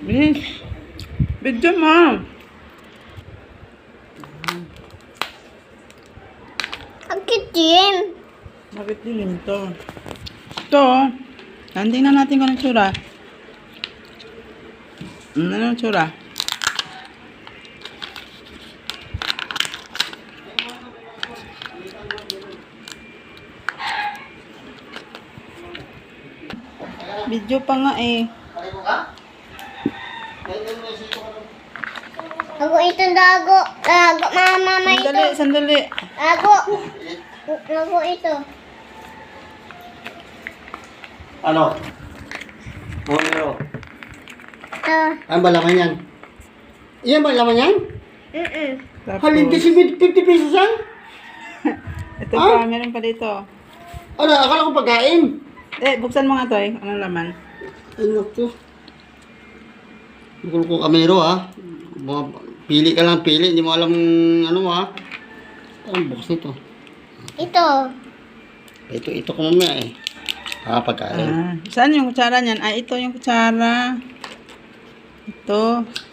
Bilis. Video mo. Bakit din? Bakit dilim to? Ito. Tingnan natin kung anong tsura. Anong tsura? Video pa nga eh. Ako itong dago. Dago, mama ito. Sandali, sandali. Dago. Dago ito. Ano? Ano? Ah, Ano ba laman yan? Iyan ba laman yan? Tapos, Halindi si 50 pesos yan? ito pa, meron pa dito. Ano, akala ko pagkain. Buksan mo nga to eh. Anong laman? Ay, naku. Bukul ko kamero ha. Pili ka lang, pili. Hindi mo alam ano ha. Ang bukas nito. ito. Ito ko mamaya eh. Pagkain. Saan yung kutsara niyan? Ito yung kutsara. Ito.